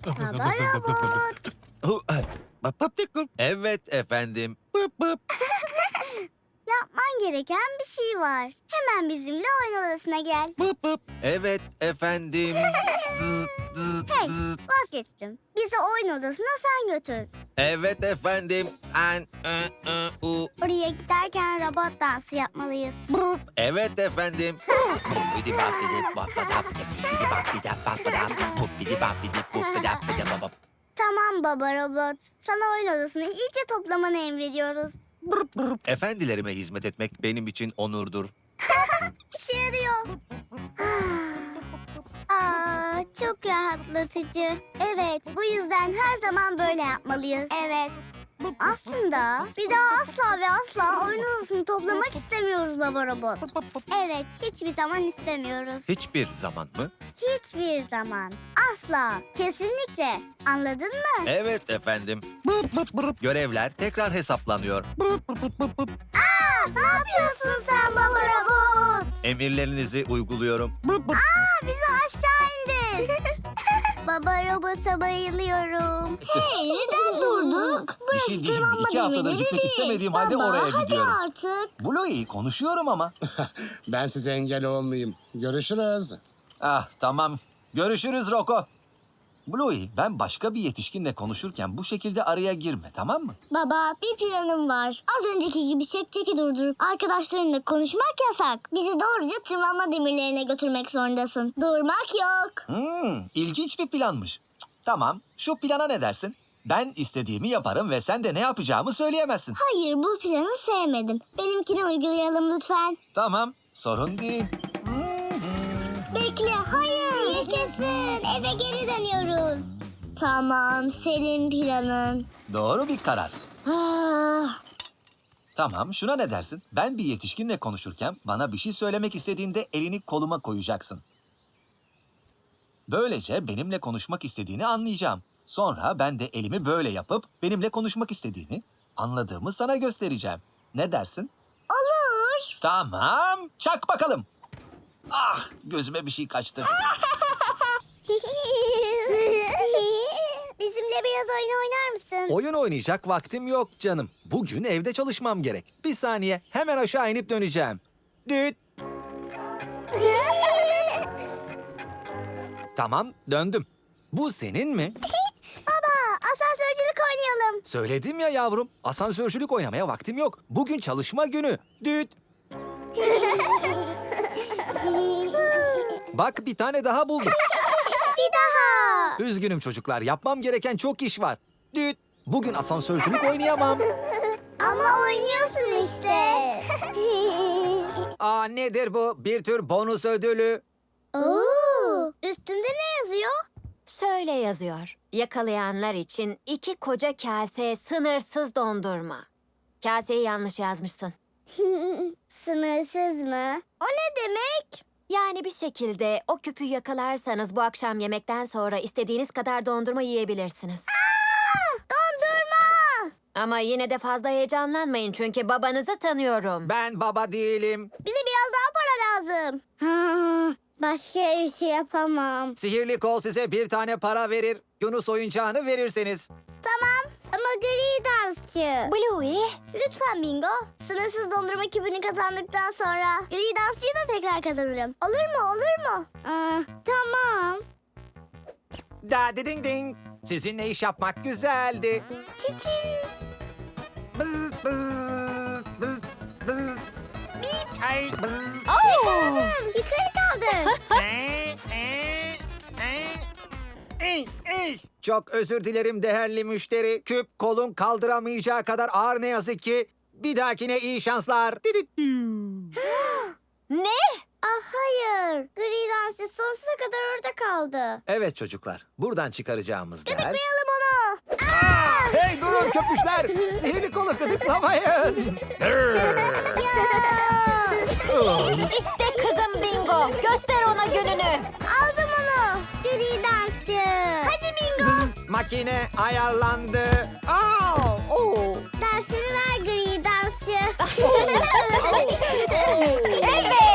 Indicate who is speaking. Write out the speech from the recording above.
Speaker 1: Baba robot.
Speaker 2: Evet efendim.
Speaker 1: Yapman gereken bir şey var. Hemen bizimle oyun odasına gel.
Speaker 2: Evet efendim.
Speaker 1: Hey, vazgeçtim. Bizi oyun odasına sen götür.
Speaker 2: Evet efendim.
Speaker 1: Oraya giderken robot dansı yapmalıyız.
Speaker 2: Evet efendim.
Speaker 1: Tamam baba robot. Sana oyun odasını iyice toplamanı emrediyoruz.
Speaker 2: Efendilerime hizmet etmek benim için onurdur.
Speaker 1: İşe yarıyor. Aa, çok rahatlatıcı. Evet, bu yüzden her zaman böyle yapmalıyız. Evet. Aslında bir daha asla ve asla oyun odasını toplamak istemiyoruz baba robot. Evet, hiçbir zaman istemiyoruz.
Speaker 2: Hiçbir zaman mı?
Speaker 1: Hiçbir zaman. Asla. Kesinlikle. Anladın mı?
Speaker 2: Evet efendim. Görevler tekrar hesaplanıyor.
Speaker 1: Ne yapıyorsun sen baba robot?
Speaker 2: Emirlerinizi uyguluyorum.
Speaker 1: Bizi aşağı indir. Baba robota bayılıyorum. Hey, neden durduk?
Speaker 2: Bir şey diyeyim mi? 2 haftadır gitmek istemediğim halde oraya gidiyorum.
Speaker 1: Hadi artık.
Speaker 2: Bluey konuşuyorum ama.
Speaker 3: Ben size engel olmayayım. Görüşürüz.
Speaker 2: Ah tamam. Görüşürüz Roko. Bluey, ben başka bir yetişkinle konuşurken bu şekilde araya girme, tamam mı?
Speaker 1: Baba, bir planım var. Az önceki gibi çeki durdurup arkadaşlarınla konuşmak yasak. Bizi doğruca tırmanma demirlerine götürmek zorundasın. Durmak yok.
Speaker 2: İlginç bir planmış. Cık, tamam, şu plana ne dersin? Ben istediğimi yaparım ve sen de ne yapacağımı söyleyemezsin.
Speaker 1: Hayır, bu planı sevmedim. Benimkini uygulayalım lütfen.
Speaker 2: Tamam, sorun değil.
Speaker 1: Bekle, hayır. Yaşasın. Eve geri dönüyoruz. Tamam, senin planın.
Speaker 2: Doğru bir karar.
Speaker 1: Ah,
Speaker 2: Tamam, şuna ne dersin? Ben bir yetişkinle konuşurken bana bir şey söylemek istediğinde elini koluma koyacaksın. Böylece benimle konuşmak istediğini anlayacağım. Sonra ben de elimi böyle yapıp benimle konuşmak istediğini, anladığımı sana göstereceğim. Ne dersin?
Speaker 1: olur.
Speaker 2: Tamam, çak bakalım. Ah, gözüme bir şey kaçtı.
Speaker 1: Bizimle biraz oyun oynar mısın?
Speaker 2: Oyun oynayacak vaktim yok canım. Bugün evde çalışmam gerek. Bir saniye, hemen aşağı inip döneceğim. Düt. Tamam, döndüm. Bu senin mi?
Speaker 1: Baba, asansörcülük oynayalım.
Speaker 2: Söyledim ya yavrum, asansörcülük oynamaya vaktim yok. Bugün çalışma günü. Düt. Bak, bir tane daha buldum.
Speaker 1: Bir daha.
Speaker 2: Üzgünüm çocuklar, yapmam gereken çok iş var. Düt. Bugün asansörcülük oynayamam.
Speaker 1: Ama oynuyorsun işte.
Speaker 2: Aa, nedir bu? Bir tür bonus ödülü.
Speaker 1: Oo, üstünde ne yazıyor?
Speaker 4: Şöyle yazıyor. Yakalayanlar için 2 koca kase sınırsız dondurma. Kaseyi yanlış yazmışsın.
Speaker 1: Sınırsız mı? O ne demek?
Speaker 4: Yani bir şekilde o küpü yakalarsanız bu akşam yemekten sonra istediğiniz kadar dondurma yiyebilirsiniz.
Speaker 1: Dondurma.
Speaker 4: Ama yine de fazla heyecanlanmayın çünkü babanızı tanıyorum.
Speaker 2: Ben baba değilim.
Speaker 1: Bize biraz daha para lazım. Başka bir şey yapamam.
Speaker 2: Sihirli kol size bir tane para verir. Yunus oyuncağını verirseniz.
Speaker 1: Tamam ama gri dansçı.
Speaker 4: Bluey,
Speaker 1: Lütfen Bingo. Sınırsız dondurma küpünü kazandıktan sonra gri dansçıyı da tekrar kazanırım. Olur mu? Olur mu? Tamam.
Speaker 2: Da ding ding. Sizinle iş yapmak güzeldi.
Speaker 1: Çiçin.
Speaker 2: Bız bız bız bız.
Speaker 1: Bip.
Speaker 2: Ay bız.
Speaker 1: Yakaladım. Yukarı kaldır.
Speaker 2: Çok özür dilerim değerli müşteri. Küp kolun kaldıramayacağı kadar ağır ne yazık ki. Bir dahakine iyi şanslar.
Speaker 4: ne?
Speaker 1: Hayır. Gri dansçı sonsuza kadar orada kaldı.
Speaker 2: Evet çocuklar, buradan çıkaracağımız ders...
Speaker 1: Gıdıklayalım onu.
Speaker 2: Hey durun köpüşler! Sihirli kolu gıdıklamayın!
Speaker 4: İşte kızım Bingo. Göster ona gününü.
Speaker 1: Aldım onu. Gri dansçı. Hadi Bingo.
Speaker 2: Makine ayarlandı. Aa, oo.
Speaker 1: Dersini ver gri dansçı.
Speaker 4: Evet.